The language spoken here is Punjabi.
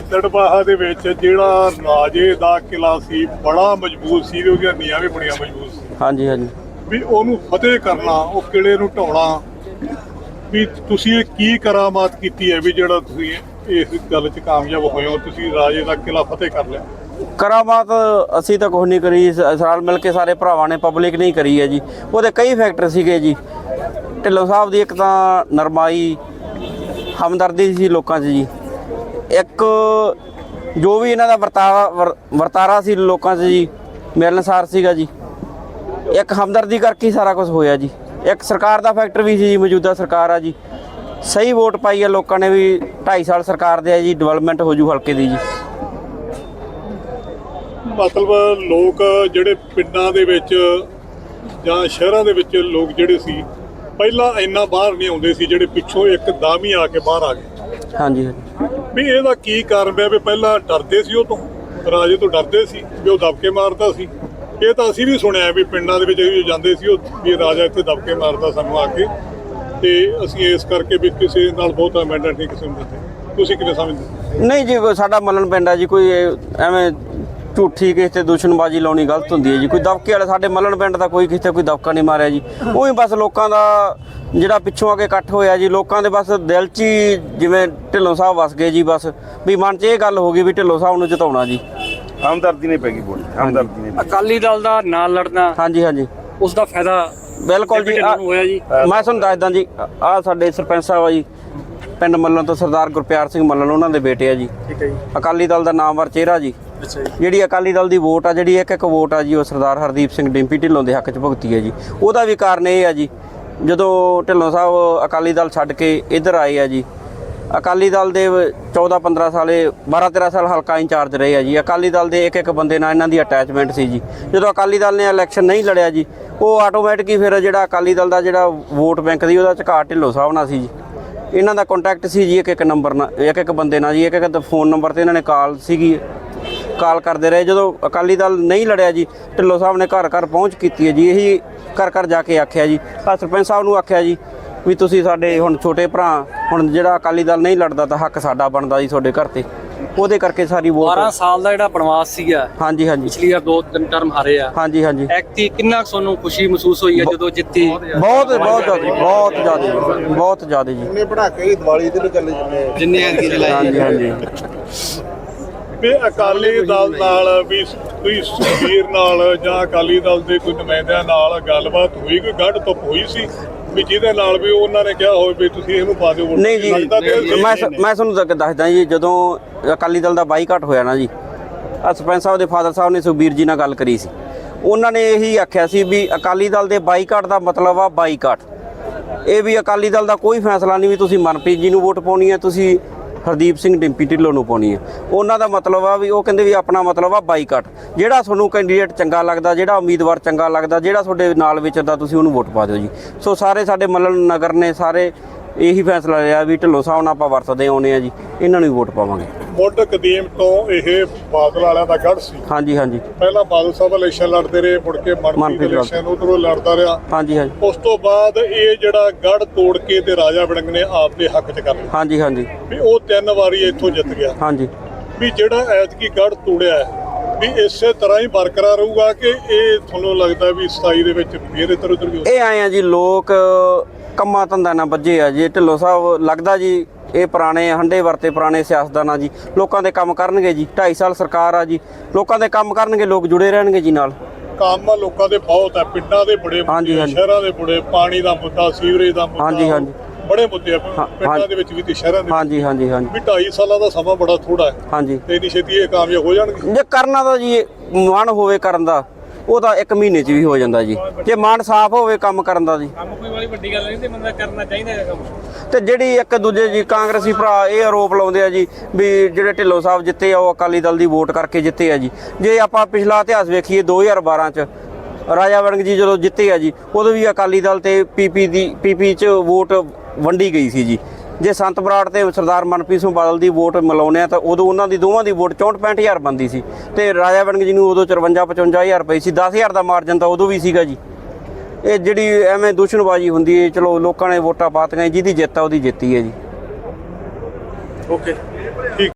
ਗਿੱਦੜਬਾਹਾ ਦੇ ਵਿੱਚ ਜਿਹੜਾ ਰਾਜੇ ਦਾ ਕਿਲਾ ਸੀ ਬੜਾ ਮਜ਼ਬੂਤ ਸੀ, ਉਹਦੀਆਂ ਨੀਹਾਂ ਵੀ ਬੜੀਆਂ ਮਜ਼ਬੂਤ ਸੀ। ਹਾਂਜੀ ਹਾਂਜੀ। ਵੀ ਉਹਨੂੰ ਫਤਿਹ ਕਰਨਾ, ਉਹ ਕਿਲੇ ਨੂੰ ਢਾਉਣਾ, ਵੀ ਤੁਸੀਂ ਇਹ ਕੀ ਕਰਾਮਾਤ ਕੀਤੀ ਹੈ ਵੀ ਜਿਹੜਾ ਤੁਸੀਂ ਇਸ ਗੱਲ 'ਚ ਕਾਮਯਾਬ ਹੋਏ ਹੋ, ਤੁਸੀਂ ਰਾਜੇ ਦਾ ਕਿਲਾ ਫਤਿਹ ਕਰ ਲਿਆ? ਕਰਾਮਾਤ ਅਸੀਂ ਤਾਂ ਕੁਛ ਨਹੀਂ ਕਰੀ, ਸਾਲ ਮਿਲ ਕੇ ਸਾਰੇ ਭਰਾਵਾਂ ਨੇ, ਪਬਲਿਕ ਨਹੀਂ ਕਰੀ ਹੈ ਜੀ। ਉਹਦੇ ਕਈ ਫੈਕਟਰ ਸੀਗੇ ਜੀ। ਢਿੱਲੋਂ ਸਾਹਿਬ ਦੀ ਇੱਕ ਤਾਂ ਨਰਮਾਈ, ਹਮਦਰਦੀ ਸੀ ਲੋਕਾਂ 'ਚ ਜੀ। ਇੱਕ ਜੋ ਵੀ ਇਹਨਾਂ ਦਾ ਵਰਤਾਰਾ ਸੀ ਲੋਕਾਂ 'ਚ ਜੀ, ਮਿਲਣਸਾਰ ਸੀਗਾ ਜੀ। ਇੱਕ ਹਮਦਰਦੀ ਕਰਕੇ ਹੀ ਸਾਰਾ ਕੁਝ ਹੋਇਆ ਜੀ। ਇੱਕ ਸਰਕਾਰ ਦਾ ਫੈਕਟਰ ਵੀ ਸੀ ਜੀ, ਮੌਜੂਦਾ ਸਰਕਾਰ ਆ ਜੀ, ਸਹੀ ਵੋਟ ਪਾਈ ਹੈ ਲੋਕਾਂ ਨੇ ਵੀ 2.5 ਸਾਲ ਸਰਕਾਰ ਦੇ ਆ ਜੀ, ਡਿਵੈਲਪਮੈਂਟ ਹੋ ਜੂ ਹਲਕੇ ਦੀ ਜੀ। ਮਤਲਬ ਲੋਕ ਜਿਹੜੇ ਪਿੰਡਾਂ ਦੇ ਵਿੱਚ ਜਾਂ ਸ਼ਹਿਰਾਂ ਦੇ ਵਿੱਚ ਲੋਕ ਜਿਹੜੇ ਸੀ ਪਹਿਲਾਂ ਇੰਨਾ ਬਾਹਰ ਨਹੀਂ ਆਉਂਦੇ ਸੀ, ਜਿਹੜੇ ਪਿੱਛੋਂ ਇੱਕਦਮ ਹੀ ਆ ਕੇ ਬਾਹਰ ਆ ਗਏ। ਹਾਂਜੀ ਹਾਂਜੀ। ਵੀ ਇਹਦਾ ਕੀ ਕਾਰਨ ਹੈ? ਵੀ ਪਹਿਲਾਂ ਡਰਦੇ ਸੀ, ਉਹ ਤੋਂ ਰਾਜੇ ਤੋਂ ਡਰਦੇ ਸੀ ਵੀ ਉਹ ਦਬਕੇ ਮਾਰਦਾ ਸੀ। ਇਹ ਤਾਂ ਅਸੀਂ ਵੀ ਸੁਣਿਆ ਵੀ ਪਿੰਡਾਂ ਦੇ ਵਿੱਚ ਅਸੀਂ ਜਾਂਦੇ ਸੀ, ਉਹ ਵੀ ਰਾਜਾ ਇੱਥੇ ਦਬਕੇ ਮਾਰਦਾ ਸਾਨੂੰ ਆ ਕੇ, ਤੇ ਅਸੀਂ ਇਸ ਕਰਕੇ ਵੀ ਕਿਸੇ ਨਾਲ ਬਹੁਤ ਅਮੈਂਡਮੈਂਟ ਨਹੀਂ ਕਿਸੇ ਨੂੰ ਦਿੱਤੇ। ਤੁਸੀਂ ਕਿਵੇਂ ਸਮਝਦੇ? ਨਹੀਂ ਜੀ, ਸਾਡਾ ਮੱਲਣ ਪਿੰਡ ਆ ਜੀ, ਕੋਈ ਐਵੇਂ ਝੂਠੀ ਕਿਸੇ ਤੇ ਦੁਸ਼ਮਣਬਾਜ਼ੀ ਲਾਉਣੀ ਗਲਤ ਹੁੰਦੀ ਹੈ ਜੀ। ਕੋਈ ਦਬਕੇ ਵਾਲਾ ਸਾਡੇ ਮੱਲਣ ਪਿੰਡ ਦਾ ਕੋਈ ਕਿਸੇ ਕੋਈ ਦਬਕਾ ਨਹੀਂ ਮਾਰਿਆ ਜੀ। ਉਹੀ ਬਸ ਲੋਕਾਂ ਦਾ ਜਿਹੜਾ ਪਿੱਛੋਂ ਆ ਕੇ ਇਕੱਠ ਹੋਇਆ ਜੀ, ਲੋਕਾਂ ਦੇ ਬਸ ਦਿਲ 'ਚ ਹੀ ਜਿਵੇਂ ਢਿੱਲੋਂ ਸਾਹਿਬ ਵਸ ਗਏ ਜੀ। ਬਸ ਵੀ ਮਨ 'ਚ ਇਹ ਗੱਲ ਹੋ ਗਈ ਵੀ ਢਿੱਲੋਂ ਸਾਹਿਬ ਨੂੰ ਜਿਤਾਉਣਾ ਜੀ। ਹਮਦਰਦੀ ਨਹੀਂ ਪੈ ਗਈ ਵੋਟ, ਹਮਦਰਦੀ ਨਹੀਂ। ਅਕਾਲੀ ਦਲ ਦਾ ਨਾਲ ਲੜਨਾ, ਹਾਂਜੀ ਹਾਂਜੀ, ਉਸ ਦਾ ਫਾਇਦਾ ਬਿਲਕੁਲ ਜੀ ਹੋਇਆ ਜੀ। ਮੈਂ ਤੁਹਾਨੂੰ ਦੱਸਦਾ ਜੀ, ਆਹ ਸਾਡੇ ਸਰਪੰਚ ਸਾਹਿਬ ਆ ਜੀ ਪਿੰਡ ਮੱਲਣ ਤੋਂ, ਸਰਦਾਰ ਗੁਰਪਿਆਰ ਸਿੰਘ ਮੱਲਣ, ਉਹਨਾਂ ਦੇ ਬੇਟੇ ਆ ਜੀ। ਠੀਕ ਹੈ ਜੀ। ਅਕਾਲੀ ਦਲ ਦਾ ਨਾਮਵਰ ਚਿਹਰਾ ਜੀ। ਅੱਛਾ ਜੀ। ਜਿਹੜੀ ਅਕਾਲੀ ਦਲ ਦੀ ਵੋਟ ਆ, ਜਿਹੜੀ ਇੱਕ ਵੋਟ ਆ ਜੀ, ਉਹ ਸਰਦਾਰ ਹਰਦੀਪ ਸਿੰਘ ਡਿੰਪੀ ਢਿੱਲੋਂ ਦੇ ਹੱਕ 'ਚ ਭੁਗਤੀ ਹੈ ਜੀ। ਉਹਦਾ ਵੀ ਕਾਰਨ ਇਹ ਆ ਜੀ, ਜਦੋਂ ਢਿੱਲੋਂ ਸਾਹਿਬ ਅਕਾਲੀ ਦਲ ਛੱਡ ਕੇ ਇੱਧਰ ਆਏ ਆ ਜੀ, ਅਕਾਲੀ ਦਲ ਦੇ 14-15 ਸਾਲੇ 12-13 ਸਾਲ ਹਲਕਾ ਇੰਚਾਰਜ ਰਹੇ ਆ ਜੀ। ਅਕਾਲੀ ਦਲ ਦੇ ਇੱਕ ਬੰਦੇ ਨਾਲ ਇਹਨਾਂ ਦੀ ਅਟੈਚਮੈਂਟ ਸੀ ਜੀ। ਜਦੋਂ ਅਕਾਲੀ ਦਲ ਨੇ ਇਲੈਕਸ਼ਨ ਨਹੀਂ ਲੜਿਆ ਜੀ, ਉਹ ਆਟੋਮੈਟਿਕ ਹੀ ਫਿਰ ਜਿਹੜਾ ਅਕਾਲੀ ਦਲ ਦਾ ਜਿਹੜਾ ਵੋਟ ਬੈਂਕ ਦੀ ਉਹਦਾ ਝਕਾਟ ਢਿੱਲੋਂ ਸਾਹਿਬ ਨਾਲ ਸੀ ਜੀ। ਇਹਨਾਂ ਦਾ ਕੰਟੈਕਟ ਸੀ ਜੀ ਇੱਕ ਨੰਬਰ ਨਾਲ, ਇੱਕ ਬੰਦੇ ਨਾਲ ਜੀ, ਇੱਕ ਫੋਨ ਨੰਬਰ 'ਤੇ ਇਹਨਾਂ ਨੇ ਕਾਲ ਸੀਗੀ, ਕਾਲ ਕਰਦੇ ਰਹੇ। ਜਦੋਂ ਅਕਾਲੀ ਦਲ ਨਹੀਂ ਲੜਿਆ ਜੀ, ਢਿੱਲੋਂ ਸਾਹਿਬ ਨੇ ਘਰ ਘਰ ਪਹੁੰਚ ਕੀਤੀ ਹੈ ਜੀ। ਇਹੀ ਘਰ ਜਾ ਕੇ ਆਖਿਆ ਜੀ, ਸਰਪੰਚ ਸਾਹਿਬ ਨੂੰ ਆਖਿਆ ਜੀ ਵੀ ਤੁਸੀਂ ਸਾਡੇ ਹੁਣ ਛੋਟੇ ਭਰਾ, ਹੁਣ ਜਿਹੜਾ ਅਕਾਲੀ ਦਲ ਨਹੀਂ ਲੜਦਾ ਤਾਂ ਹੱਕ ਸਾਡਾ ਬਣਦਾ ਜੀ ਤੁਹਾਡੇ ਘਰ 'ਤੇ। ਉਹਦੇ ਕਰਕੇ ਸਾਰੀ ਵੋਟ 12 ਸਾਲ ਦਾ ਜਿਹੜਾ ਬਣਵਾਸ ਸੀਗਾ, ਹਾਂਜੀ ਹਾਂਜੀ, ਪਿਛਲੀ ਵਾਰ 2-3 ਟਰਮ ਹਾਰੇ ਆ। ਹਾਂਜੀ ਹਾਂਜੀ। ਐਕਟੀ ਕਿੰਨਾ ਤੁਹਾਨੂੰ ਖੁਸ਼ੀ ਮਹਿਸੂਸ ਹੋਈ ਹੈ ਜਦੋਂ ਜਿੱਤੀ? ਬਹੁਤ ਜ਼ਿਆਦਾ ਜੀ। ਉਹਨੇ ਬਣਾ ਕੇ ਦੀਵਾਲੀ ਦੇ ਚੱਲੇ ਜਿੰਨੇ ਐਤਕੀ ਚਲਾਏ। ਹਾਂਜੀ ਹਾਂਜੀ। ਵੀ ਅਕਾਲੀ ਦਲ ਨਾਲ ਵੀ ਕੋਈ ਸੁਖਬੀਰ ਨਾਲ ਜਾਂ ਅਕਾਲੀ ਦਲ ਦੇ ਕੋਈ ਨੁਮਾਇੰਦਿਆਂ ਨਾਲ ਗੱਲਬਾਤ ਹੋਈ, ਕੋਈ ਗੱਡ ਧੁੱਪ ਹੋਈ ਸੀ ਵੀ ਜਿਹਦੇ ਨਾਲ ਵੀ ਉਹਨਾਂ ਨੇ ਕਿਹਾ ਹੋਵੇ ਵੀ ਤੁਸੀਂ ਇਹਨੂੰ ਪਾ ਦਿਓ ਵੋਟ? ਨਹੀਂ ਜੀ, ਮੈਂ ਤੁਹਾਨੂੰ ਦੱਸਦਾ ਜੀ, ਜਦੋਂ ਅਕਾਲੀ ਦਲ ਦਾ ਬਾਈਕਾਟ ਹੋਇਆ ਨਾ ਜੀ, ਸਰਪੰਚ ਸਾਹਿਬ ਦੇ ਫਾਦਰ ਸਾਹਿਬ ਨੇ ਸੁਖਬੀਰ ਜੀ ਨਾਲ ਗੱਲ ਕਰੀ ਸੀ। ਉਹਨਾਂ ਨੇ ਇਹੀ ਆਖਿਆ ਸੀ ਵੀ ਅਕਾਲੀ ਦਲ ਦੇ ਬਾਈਕਾਟ ਦਾ ਮਤਲਬ ਆ ਬਾਈਕਾਟ। ਇਹ ਵੀ ਅਕਾਲੀ ਦਲ ਦਾ ਕੋਈ ਫੈਸਲਾ ਨਹੀਂ ਵੀ ਤੁਸੀਂ ਮਨਪ੍ਰੀਤ ਜੀ ਨੂੰ ਵੋਟ ਪਾਉਣੀ ਹੈ, ਤੁਸੀਂ ਹਰਦੀਪ ਸਿੰਘ ਡਿੰਪੀ ਢਿੱਲੋਂ ਨੂੰ ਪਾਉਣੀ ਹੈ। ਉਹਨਾਂ ਦਾ ਮਤਲਬ ਆ ਵੀ ਉਹ ਕਹਿੰਦੇ ਵੀ ਆਪਣਾ ਮਤਲਬ ਆ ਬਾਈਕਾਟ। ਜਿਹੜਾ ਤੁਹਾਨੂੰ ਕੈਂਡੀਡੇਟ ਚੰਗਾ ਲੱਗਦਾ, ਜਿਹੜਾ ਉਮੀਦਵਾਰ ਚੰਗਾ ਲੱਗਦਾ, ਜਿਹੜਾ ਤੁਹਾਡੇ ਨਾਲ ਵਿਚਰਦਾ, ਤੁਸੀਂ ਉਹਨੂੰ ਵੋਟ ਪਾ ਦਿਓ ਜੀ। ਸੋ ਸਾਰੇ ਸਾਡੇ ਮੱਲਣ ਨਗਰ ਨੇ ਸਾਰੇ ਇਹੀ ਫੈਸਲਾ ਲਿਆ ਵੀ ਢਿੱਲੋਂ ਸਾਹਿਬ ਨਾਲ ਆਪਾਂ ਵਰਤਦੇ ਆਉਣੇ ਆ ਜੀ, ਇਹਨਾਂ ਨੂੰ ਹੀ ਵੋਟ ਪਾਵਾਂਗੇ। ਮੁੱਢ ਕਦੀਮ ਤੋਂ ਇਹ ਬਾਦਲ ਵਾਲਿਆਂ ਦਾ ਗੜ੍ਹ ਸੀ। ਹਾਂਜੀ ਹਾਂਜੀ। ਪਹਿਲਾਂ ਬਾਦਲ ਸਾਹਿਬ ਇਲੈਕਸ਼ਨ ਲੜਦੇ ਰਹੇ, ਮੁੜ ਕੇ ਮਨਪ੍ਰੀਤ ਇਲੈਕਸ਼ਨ ਉਧਰੋਂ ਲੜਦਾ ਰਿਹਾ। ਹਾਂਜੀ ਹਾਂਜੀ। ਉਸ ਤੋਂ ਬਾਅਦ ਇਹ ਜਿਹੜਾ ਗੜ੍ਹ ਤੋੜ ਕੇ ਤੇ ਰਾਜਾ ਵੜਿੰਗ ਨੇ ਆਪ ਦੇ ਹੱਕ 'ਚ ਕਰ ਲਿਆ। ਹਾਂਜੀ ਹਾਂਜੀ। ਵੀ ਉਹ 3 ਵਾਰੀ ਇੱਥੋਂ ਜਿੱਤ ਗਿਆ। ਹਾਂਜੀ। ਵੀ ਜਿਹੜਾ ਐਤਕੀ ਗੜ੍ਹ ਤੋੜਿਆ ਹੈ ਵੀ ਇਸੇ ਤਰ੍ਹਾਂ ਹੀ ਬਰਕਰਾਰ ਰਹੂਗਾ ਕਿ ਇਹ ਤੁਹਾਨੂੰ ਲੱਗਦਾ ਵੀ 27 ਦੇ ਵਿੱਚ ਫੇਰ ਇੱਧਰ ਉੱਧਰ ਵੀ? ਇਹ ਆਏ ਆ ਜੀ, ਲੋਕ ਕੰਮਾਂ ਧੰਦਾ ਨਾਲ ਵੱਜੇ ਆ ਜੀ। ਢਿੱਲੋਂ ਸਾਹਿਬ ਲੱਗਦਾ ਜੀ ਇਹ ਪੁਰਾਣੇ ਹੰਡੇ ਵਰਤੇ ਪੁਰਾਣੇ ਸਿਆਸਤਦਾਨ ਆ ਜੀ, ਲੋਕਾਂ ਦੇ ਕੰਮ ਕਰਨਗੇ ਜੀ। 2.5 ਸਾਲ ਸਰਕਾਰ ਆ ਜੀ, ਲੋਕਾਂ ਦੇ ਕੰਮ ਕਰਨਗੇ, ਲੋਕ ਜੁੜੇ ਰਹਿਣਗੇ ਜੀ ਨਾਲ। ਕੰਮ ਲੋਕਾਂ ਦੇ ਬਹੁਤ ਹੈ, ਪਿੰਡਾਂ ਦੇ ਬੜੇ ਮੁੱਦੇ, ਸ਼ਹਿਰਾਂ ਦੇ ਬੜੇ, ਪਾਣੀ ਦਾ ਮੁੱਦਾ, ਸੀਵਰੇਜ ਦਾ ਮੁੱਦਾ, ਹਾਂਜੀ ਹਾਂਜੀ, ਬੜੇ ਮੁੱਦੇ ਆ ਪਿੰਡਾਂ ਦੇ ਵਿੱਚ ਵੀ ਤੇ ਸ਼ਹਿਰਾਂ ਦੇ। ਹਾਂਜੀ ਹਾਂਜੀ ਹਾਂਜੀ। ਵੀ 2.5 ਸਾਲਾਂ ਦਾ ਸਮਾਂ ਬੜਾ ਥੋੜਾ ਹੈ। ਹਾਂਜੀ। ਤੇ ਇੰਨੀ ਛੇਤੀ ਇਹ ਕਾਮਯਾਬ ਹੋ ਜਾਣਗੇ? ਜੇ ਕਰਨਾ ਤਾਂ ਜੀ ਮਨ ਹੋਵੇ ਕਰਨ ਦਾ, ਉਹ ਤਾਂ 1 ਮਹੀਨੇ 'ਚ ਵੀ ਹੋ ਜਾਂਦਾ ਜੀ, ਜੇ ਮਨ ਸਾਫ਼ ਹੋਵੇ ਕੰਮ ਕਰਨ ਦਾ ਜੀ। ਕੰਮ ਕੋਈ ਵਾਲੀ ਵੱਡੀ ਗੱਲ ਨਹੀਂ ਤੇ ਬੰਦਾ ਕਰਨਾ ਚਾਹੀਦਾ ਹੈ ਕੰਮ। ਤੇ ਜਿਹੜੀ ਇੱਕ ਦੂਜੇ ਜੀ ਕਾਂਗਰਸੀ ਭਰਾ ਇਹ ਆਰੋਪ ਲਾਉਂਦੇ ਆ ਜੀ ਵੀ ਜਿਹੜੇ ਢਿੱਲੋਂ ਸਾਹਿਬ ਜਿੱਤੇ ਆ ਉਹ ਅਕਾਲੀ ਦਲ ਦੀ ਵੋਟ ਕਰਕੇ ਜਿੱਤੇ ਆ ਜੀ। ਜੇ ਆਪਾਂ ਪਿਛਲਾ ਇਤਿਹਾਸ ਵੇਖੀਏ 2012 'ਚ ਰਾਜਾ ਵੜਿੰਗ ਜੀ ਜਦੋਂ ਜਿੱਤੇ ਆ ਜੀ, ਉਦੋਂ ਵੀ ਅਕਾਲੀ ਦਲ ਤੇ ਪੀਪੀ 'ਚ ਵੋਟ ਵੰਡੀ ਗਈ ਸੀ ਜੀ। ਜੇ ਸੰਤ ਬਰਾੜ ਤੇ ਸਰਦਾਰ ਮਨਪ੍ਰੀਤ ਸਿੰਘ ਬਾਦਲ ਦੀ ਵੋਟ ਮਿਲਾਉਂਦੇ ਆ ਤਾਂ ਉਦੋਂ ਉਹਨਾਂ ਦੀ ਦੋਵਾਂ ਦੀ ਵੋਟ 64-65 ਹਜ਼ਾਰ ਬਣਦੀ ਸੀ ਤੇ ਰਾਜਾ ਵੜਿੰਗ ਜੀ ਨੂੰ ਉਦੋਂ 54-55 ਹਜ਼ਾਰ ਪਈ ਸੀ। 10 ਹਜ਼ਾਰ ਦਾ ਮਾਰਜਨ ਤਾਂ ਉਦੋਂ ਵੀ ਸੀਗਾ ਜੀ। ਇਹ ਜਿਹੜੀ ਐਵੇਂ ਦੁਸ਼ਮਣਬਾਜ਼ੀ ਹੁੰਦੀ ਹੈ, ਚਲੋ ਲੋਕਾਂ ਨੇ ਵੋਟਾਂ ਪਾਤੀਆਂ, ਜਿਹਦੀ ਜਿੱਤ ਆ ਉਹਦੀ ਜਿੱਤੀ ਹੈ ਜੀ। ਓਕੇ, ਠੀਕ।